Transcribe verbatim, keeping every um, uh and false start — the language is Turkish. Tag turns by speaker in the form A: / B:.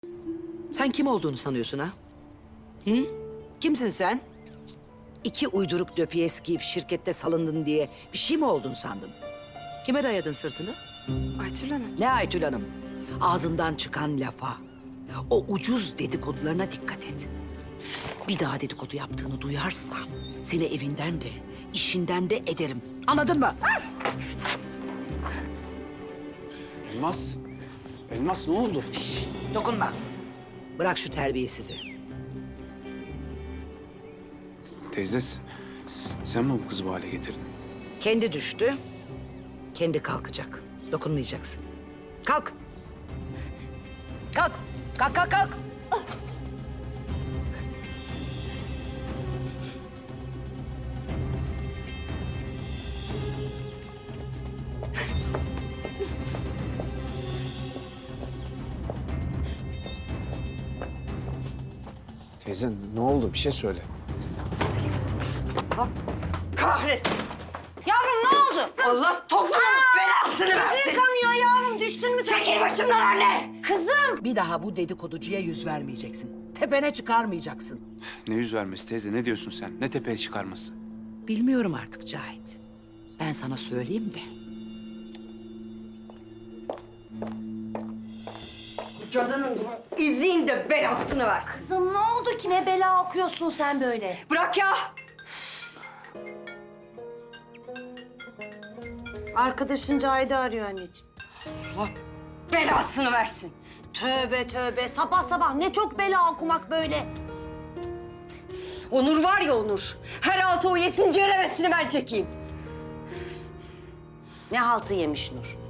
A: Sen kim olduğunu sanıyorsun ha? Hı? Kimsin sen? İki uyduruk döpiyes giyip şirkette salındın diye bir şey mi oldun sandın? Kime dayadın sırtını?
B: Aytül Hanım.
A: Ne Aytül Hanım? Ağzından çıkan lafa, o ucuz dedikodularına dikkat et. Bir daha dedikodu yaptığını duyarsam seni evinden de, işinden de ederim. Anladın mı?
C: Elmas, Elmas ne oldu?
A: Şşt, dokunma. Bırak şu terbiyesizi.
C: Teyze, s- sen mi bu kızı bu hale getirdin?
A: Kendi düştü, kendi kalkacak. Dokunmayacaksın. Kalk. Kalk. Kalk, kalk, kalk.
C: Teyze ne oldu? Bir şey söyle.
B: Kahretsin. Yavrum ne oldu? Allah toprağın belasını versin. Kızın kanıyor yavrum. Düştün mü sen? Çekil başımdan anne. Kızım.
A: Bir daha bu dedikoducuya yüz vermeyeceksin. Tepene çıkarmayacaksın.
C: Ne yüz vermesi teyze? Ne diyorsun sen? Ne tepeye çıkarması?
A: Bilmiyorum artık Cahit. Ben sana söyleyeyim de.
B: Cadının izin de belasını versin.
D: Kızım ne oldu ki? Ne bela okuyorsun sen böyle?
B: Bırak ya.
D: Arkadaşın Cahide arıyor anneciğim.
B: Allah belasını versin.
D: Tövbe tövbe. Sabah sabah ne çok bela okumak böyle.
B: Onur var ya Onur. Her altı o yesin ceremesini ben çekeyim.
D: Ne haltı yemiş Nur?